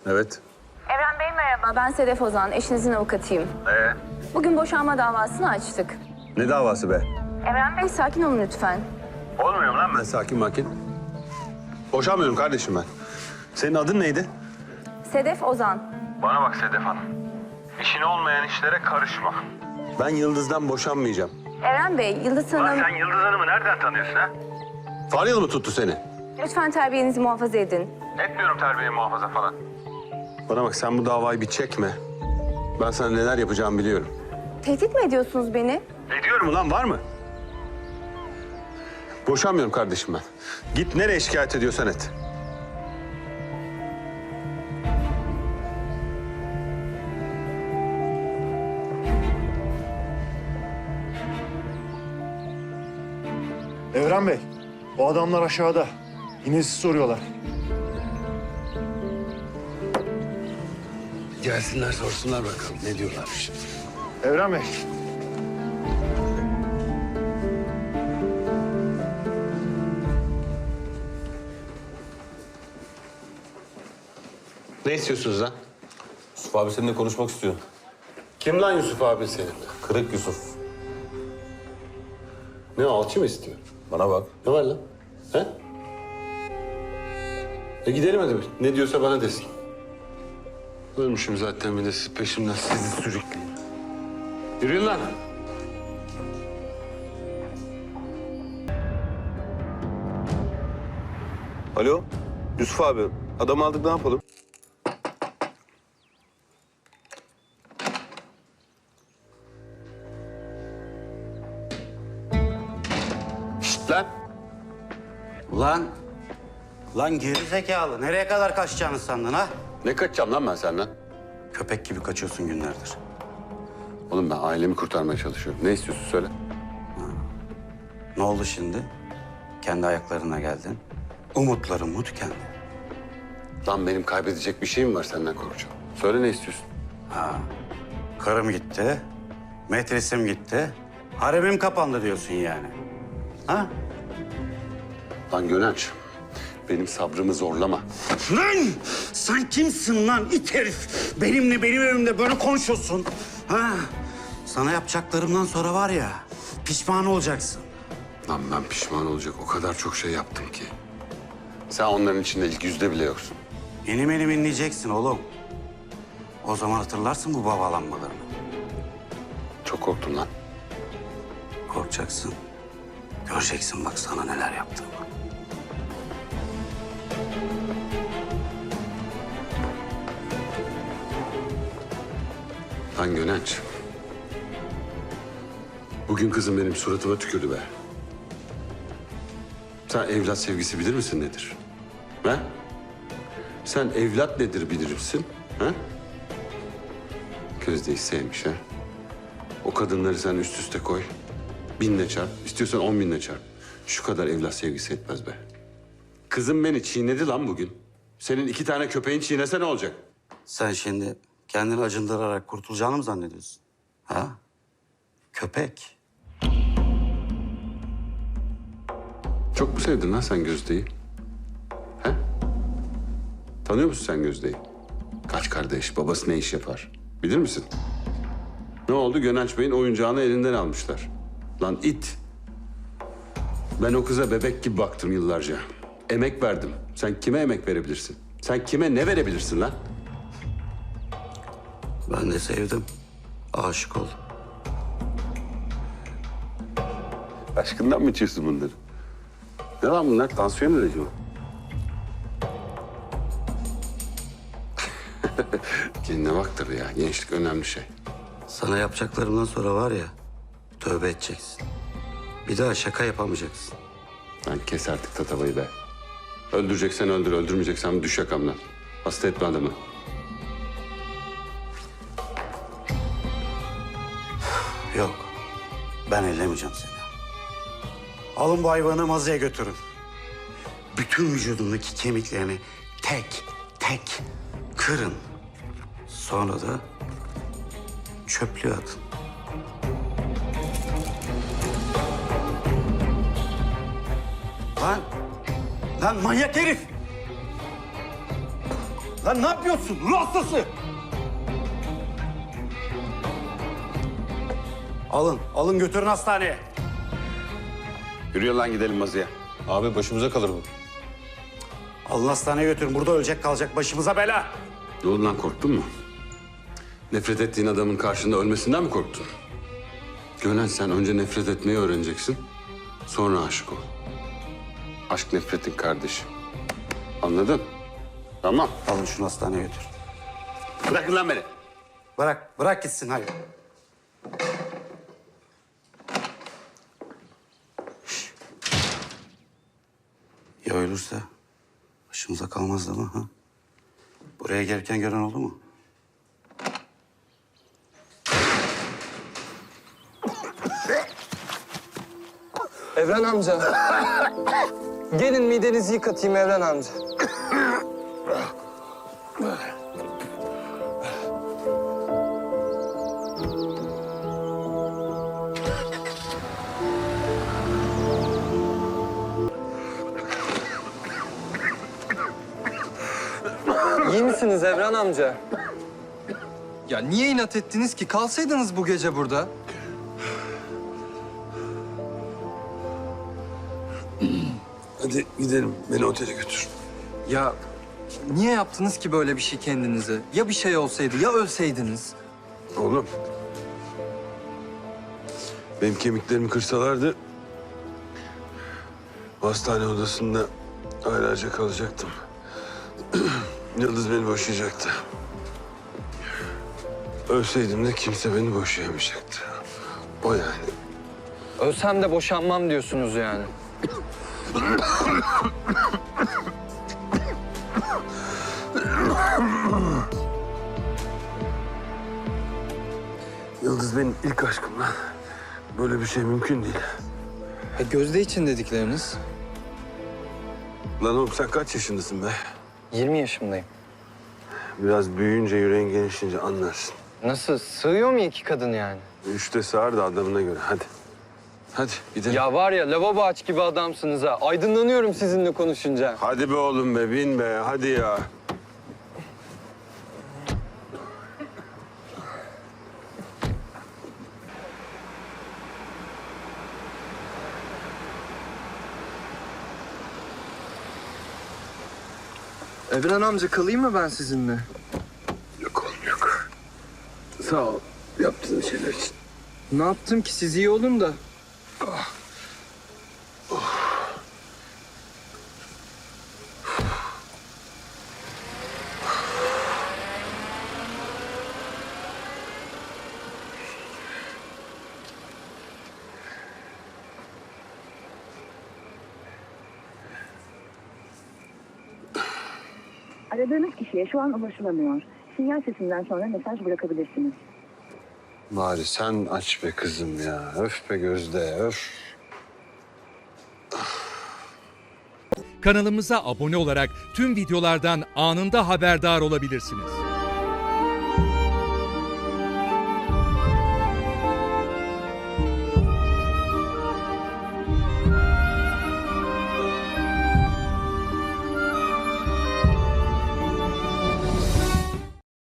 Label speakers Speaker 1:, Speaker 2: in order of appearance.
Speaker 1: Evet.
Speaker 2: Evren Bey merhaba, ben Sedef Ozan, eşinizin avukatıyım. Bugün boşanma davasını açtık.
Speaker 1: Ne davası be?
Speaker 2: Evren Bey sakin olun lütfen.
Speaker 1: Olmuyorum lan ben sakin makin. Boşanmıyorum kardeşim ben. Senin adın neydi?
Speaker 2: Sedef Ozan.
Speaker 1: Bana bak Sedef Hanım. İşin olmayan işlere karışma. Ben Yıldız'dan boşanmayacağım.
Speaker 2: Evren Bey, Yıldız Hanım...
Speaker 1: sen Yıldız Hanım'ı nereden tanıyorsun ha? Faryalı mı tuttu seni?
Speaker 2: Lütfen terbiyenizi muhafaza edin.
Speaker 1: Etmiyorum terbiye muhafaza falan. Bana bak sen bu davayı bir çekme. Ben sana neler yapacağımı biliyorum.
Speaker 2: Tehdit mi ediyorsunuz beni?
Speaker 1: Ediyorum ulan var mı? Boşanmıyorum kardeşim ben. Git nereye şikayet ediyorsan et.
Speaker 3: Evren Bey, o adamlar aşağıda. Yine sizi soruyorlar.
Speaker 1: Gelsinler sorsunlar bakalım ne diyorlarmış.
Speaker 3: Evren Bey.
Speaker 1: Ne istiyorsunuz lan?
Speaker 4: Yusuf abi seninle konuşmak istiyor.
Speaker 1: Kim lan Yusuf abi senin?
Speaker 4: Kırık Yusuf.
Speaker 1: Ne alçı mı istiyor?
Speaker 4: Bana bak.
Speaker 1: Ne var lan? He? Gidelim hadi. Ne diyorsa bana desin. Ölmüşüm zaten bir de siz peşimden sizi sürükleyin. Yürüyün lan.
Speaker 5: Alo, Yusuf abi. Adam aldık, ne yapalım?
Speaker 1: Şşt lan.
Speaker 6: Lan geri zekalı. Nereye kadar kaçacağını sandın ha?
Speaker 1: Ne kaçacağım lan ben senden?
Speaker 6: Köpek gibi kaçıyorsun günlerdir.
Speaker 1: Oğlum ben ailemi kurtarmaya çalışıyorum. Ne istiyorsun söyle.
Speaker 6: Ne oldu şimdi? Kendi ayaklarına geldin. Umutların mu tükendi?
Speaker 1: Lan benim kaybedecek bir şeyim var senden korkacağım. Söyle ne istiyorsun?
Speaker 6: Karım gitti, metresim gitti, haremim kapandı diyorsun yani. Ha?
Speaker 1: Lan Gönenç, benim sabrımı zorlama.
Speaker 6: Lan! Sen kimsin lan it herif? Benim evimde böyle konuşuyorsun. Ha? Sana yapacaklarımdan sonra var ya, pişman olacaksın.
Speaker 1: Lan ben pişman olacak o kadar çok şey yaptım ki. Sen onların içinde ilk yüzde bile yoksun.
Speaker 6: Benim inleyeceksin oğlum. O zaman hatırlarsın bu babalanmalarını.
Speaker 1: Çok korktum lan.
Speaker 6: Korkacaksın. Göreceksin bak sana neler yaptığımı.
Speaker 1: Lan Gönenç. Bugün kızım benim suratıma tükürdü be. Sen evlat sevgisi bilir misin nedir? Ha? Sen evlat nedir bilir misin? Ha? Gözde'yi sevmiş ha. O kadınları sen üst üste koy. 1000'le çarp. İstiyorsan 10.000'le çarp. Şu kadar evlat sevgisi etmez be. Kızım beni çiğnedi lan bugün. Senin 2 tane köpeğin çiğnese ne olacak?
Speaker 6: Sen şimdi kendini acındırarak kurtulacağını mı zannediyorsun? Ha? Köpek.
Speaker 1: Çok mu sevdin lan sen Gözde'yi? He? Tanıyor musun sen Gözde'yi? Kaç kardeş, babası ne iş yapar? Bilir misin? Ne oldu? Gönenç Bey'in oyuncağını elinden almışlar. Lan it. Ben o kıza bebek gibi baktım yıllarca. Emek verdim. Sen kime emek verebilirsin? Sen kime ne verebilirsin lan?
Speaker 6: Ben de sevdim. Aşık oldum.
Speaker 1: Aşkından mı içiyorsun bunları? Ne lan bunlar? Tansiyon ilacı mı? Kendine bak tabii ya. Gençlik önemli şey.
Speaker 6: Sana yapacaklarımdan sonra var ya, tövbe edeceksin. Bir daha şaka yapamayacaksın.
Speaker 1: Lan kes artık tatavayı be. Öldüreceksen öldür, öldürmeyeceksen düş yakamdan. Hasta etme adamı.
Speaker 6: Yok, ben ellemeyeceğim seni. Alın bu hayvanı mazıya götürün. Bütün vücudundaki kemiklerini tek tek kırın. Sonra da çöplüğe atın. Lan manyak herif! Lan ne yapıyorsun? Ruh hastası! Alın götürün hastaneye.
Speaker 1: Yürüyor lan gidelim Mazi'ye.
Speaker 4: Abi başımıza kalır bu.
Speaker 6: Alın hastaneye götürün. Burada ölecek kalacak başımıza bela.
Speaker 1: Ne oldu lan, korktun mu? Nefret ettiğin adamın karşında ölmesinden mi korktun? Gönen, sen önce nefret etmeyi öğreneceksin. Sonra aşık ol. Aşk nefretin kardeşi. Anladın? Tamam.
Speaker 6: Alın şunu hastaneye götür.
Speaker 1: Bırakın lan beni.
Speaker 6: Bırak gitsin hayır. Şş. Ya ölürse başımıza kalmaz değil mi? Ha? Buraya gelirken gören oldu mu?
Speaker 7: Evren amca. Gelin midenizi yıkatayım Evren amca. İyi misiniz Evren amca? Ya niye inat ettiniz ki? Kalsaydınız bu gece burada.
Speaker 8: Hadi gidelim. Beni otele götür.
Speaker 7: Ya niye yaptınız ki böyle bir şey kendinize? Ya bir şey olsaydı, ya ölseydiniz?
Speaker 8: Oğlum. Benim kemiklerimi kırsalardı... hastane odasında aylarca kalacaktım. Yıldız beni boşayacaktı. Ölseydim de kimse beni boşayamayacaktı. O yani.
Speaker 7: Ölsem de boşanmam diyorsunuz yani.
Speaker 8: Yıldız benim ilk aşkım lan. Böyle bir şey mümkün değil.
Speaker 7: Gözde için dedikleriniz?
Speaker 8: Lan oğlum sen kaç yaşındasın be?
Speaker 7: 20 yaşındayım.
Speaker 8: Biraz büyüyünce, yüreğin genişleyince anlarsın.
Speaker 7: Nasıl? Sığıyor mu iki kadın yani?
Speaker 8: Üçte sığar da adamına göre. Hadi. Hadi gidelim.
Speaker 7: Ya var ya lavabo aç gibi adamsınız ha. Aydınlanıyorum sizinle konuşunca.
Speaker 8: Hadi be oğlum be, bin be. Hadi ya.
Speaker 7: Evren amca kalayım mı ben sizinle?
Speaker 8: Yok oğlum yok. Sağ ol yaptığın şeyler için.
Speaker 7: Ne yaptım ki siz iyi olun da.
Speaker 9: Aradığınız kişiye şu an ulaşılamıyor. Sinyal sesinden sonra mesaj bırakabilirsiniz.
Speaker 8: Bari sen aç be kızım ya. Öf be Gözde, öf.
Speaker 10: Kanalımıza abone olarak tüm videolardan anında haberdar olabilirsiniz.